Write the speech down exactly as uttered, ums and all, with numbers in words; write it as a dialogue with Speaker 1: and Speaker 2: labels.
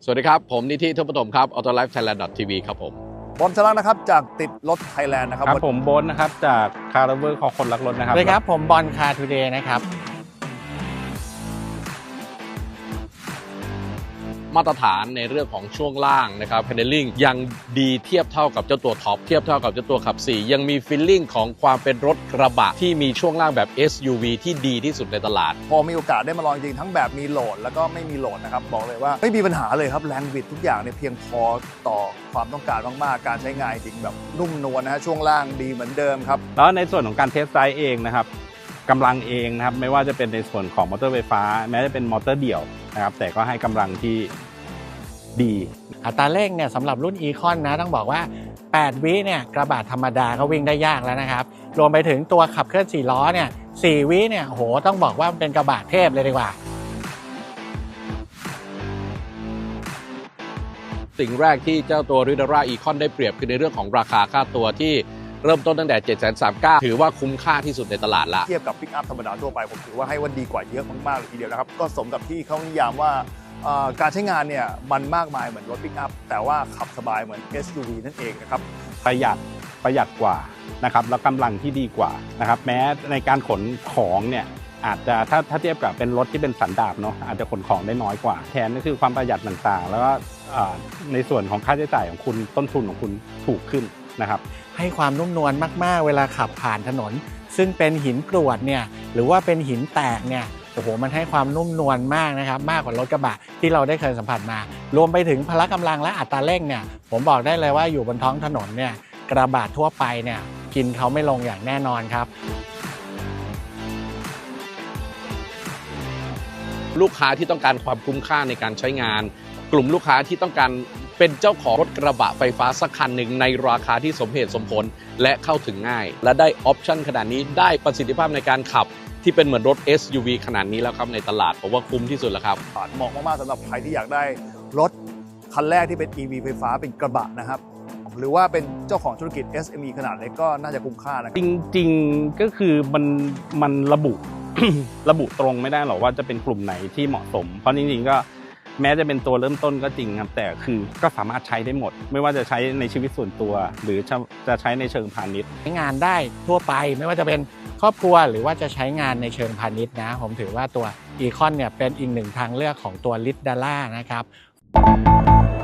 Speaker 1: สวัสดีครับผมนิธิทุพปฐมครับ ออโต้ไลฟ์ไทยแลนด์ ที วี ครับผม
Speaker 2: บอมชลักนะครับจากติดรถไทยแลนด์นะครับ
Speaker 3: ครับผมโบ๊ทนะครับจากคาร์เวอร์ของคนรักรถนะครับ
Speaker 4: สวัสดีครับผมบอลคาร์ทูเดย์นะครับ
Speaker 1: มาตรฐานในเรื่องของช่วงล่างนะครับ handling ยังดีเทียบเท่ากับเจ้าตัวท็อปเทียบเท่ากับเจ้าตัวขับสี่ยังมีฟีลลิ่งของความเป็นรถกระบะที่มีช่วงล่างแบบ เอส ยู วี ที่ดีที่สุดในตลาด
Speaker 2: พอมีโอกาสได้มาลองจริงทั้งแบบมีโหลดแล้วก็ไม่มีโหลดนะครับบอกเลยว่าไม่มีปัญหาเลยครับแรงบิดทุกอย่างเนี่ยเพียงพอต่อความต้องการมากๆการใช้งานจริงแบบนุ่มนวลนะฮะช่วงล่างดีเหมือนเดิมครับ
Speaker 3: แล้วในส่วนของการเทสไซด์เองนะครับกำลังเองนะครับไม่ว่าจะเป็นในส่วนของมอเตอร์ไฟฟ้าแม้จะเป็นมอเตอร์เดี่ยวนะครับแต่ก็ให้กำลังที่ดี
Speaker 4: อัตราเร่งเนี่ยสำหรับรุ่น Econ นะต้องบอกว่าแปดวิเนี่ยกระบะธรรมดาก็วิ่งได้ยากแล้วนะครับรวมไปถึงตัวขับเคลื่อนสี่ล้อเนี่ยสี่วิเนี่ยโหต้องบอกว่าเป็นกระบะเทพเลยดีกว่า
Speaker 1: สิ่งแรกที่เจ้าตัว Riddara Econ ได้เปรียบคือในเรื่องของราคาค่าตัวที่เริ่มต้นตั้งแต่ เจ็ดแสนสามหมื่นเก้าพัน ถือว่าคุ้มค่าที่สุดในตลาดละ
Speaker 2: เทียบกับปิกอัพธรรมดาทั่วไปผมถือว่าให้ว่าดีกว่าเยอะมากๆเลยทีเดียวนะครับก็สมกับที่เขานิยามว่าการใช้งานเนี่ยมันมากมายเหมือนรถปิกอัพแต่ว่าขับสบายเหมือน เอส ยู วี นั่นเองนะครับ
Speaker 3: ประหยัดประหยัดกว่านะครับแล้วกำลังที่ดีกว่านะครับแม้ในการขนของเนี่ยอาจจะถ้าถ้าเทียบกับเป็นรถที่เป็นสันดาปเนาะอาจจะขนของได้น้อยกว่าแทนก็คือความประหยัดต่างๆแล้วก็ในส่วนของค่าใช้จ่ายของคุณต้นทุนของคุณถูกขึ้นนะครับ
Speaker 4: ให้ความนุ่มนวลมากๆเวลาขับผ่านถนนซึ่งเป็นหินกรวดเนี่ยหรือว่าเป็นหินแตกเนี่ยโอ้โหมันให้ความนุ่มนวลมากนะครับมากกว่ารถกระบะที่เราได้เคยสัมผัสมารวมไปถึงพละกำลังและอัตราเร่งเนี่ยผมบอกได้เลยว่าอยู่บนท้องถนนเนี่ยกระบะทั่วไปเนี่ยกินเขาไม่ลงอย่างแน่นอนครับ
Speaker 1: ลูกค้าที่ต้องการความคุ้มค่าในการใช้งานกลุ่มลูกค้าที่ต้องการเป็นเจ้าของรถกระบะไฟฟ้าสักคันหนึ่งในราคาที่สมเหตุสมผลและเข้าถึงง่ายและได้ออปชั่นขนาดนี้ได้ประสิทธิภาพในการขับที่เป็นเหมือนรถ เอส ยู วี ขนาดนี้แล้วครับในตลาดผมว่าคุ้มที่สุดแล้วครับ
Speaker 2: เหมาะมากๆสำหรับใครที่อยากได้รถคันแรกที่เป็น อี วี ไฟฟ้าเป็นกระบะนะครับหรือว่าเป็นเจ้าของธุรกิจ เอส เอ็ม อี ขนาดเล็กก็น่าจะคุ้มค่านะครับ
Speaker 3: จริงๆก็คือมันมันระบุ ระบุตรงไม่ได้หรอกว่าจะเป็นกลุ่มไหนที่เหมาะสมเพราะจริงๆก็แม้จะเป็นตัวเริ่มต้นก็จริงครับแต่คือก็สามารถใช้ได้หมดไม่ว่าจะใช้ในชีวิตส่วนตัวหรือจะใช้ในเชิงพาณิชย์
Speaker 4: ใช้งานได้ทั่วไปไม่ว่าจะเป็นครอบครัวหรือว่าจะใช้งานในเชิงพาณิชย์นะผมถือว่าตัว Econ เนี่ยเป็นอีกหนึ่งทางเลือกของตัว Riddara นะครับ